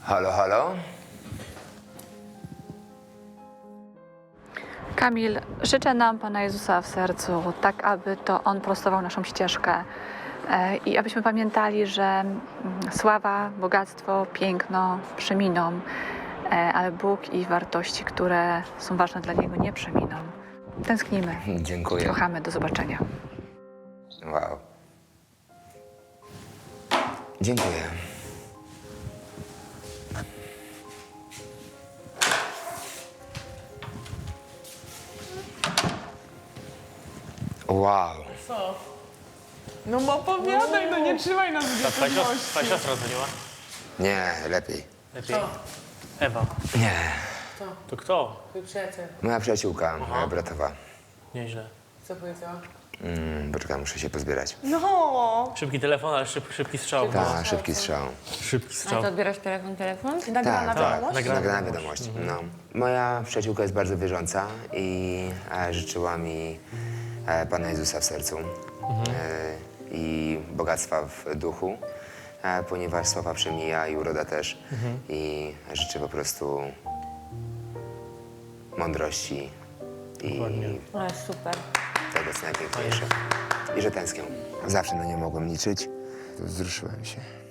Halo, halo? Kamil, życzę nam Pana Jezusa w sercu, tak aby to On prostował naszą ścieżkę i abyśmy pamiętali, że sława, bogactwo, piękno przeminą, ale Bóg i wartości, które są ważne dla Niego, nie przeminą. Tęsknimy, Dziękuję. kochamy, do zobaczenia. Wow. Dziękuję. Wow. Co? No bo opowiadaj, no nie trzymaj nas w Twoja niepewności. siostra dzwoniła? Nie, lepiej. Lepiej? Ewa. Nie. To kto? Twój przyjaciel, Moja przyjaciółka, moja bratowa. Nieźle. co powiedziała? Poczekaj, muszę się pozbierać. No! Szybki telefon, ale szybki strzał. Tak, szybki strzał. Szybki A strzał. to odbierasz telefon? Nagrana Tak, wiadomość? nagrana wiadomość. No. Moja przyjaciółka jest bardzo wierząca i życzyła mi Pana Jezusa w sercu i bogactwa w duchu, ponieważ sława przemija i uroda też. I życzę po prostu mądrości i Dokładnie. O, super. tego, co najpiękniejsze. I że tęsknię. Zawsze na nią mogłem liczyć. Wzruszyłem się.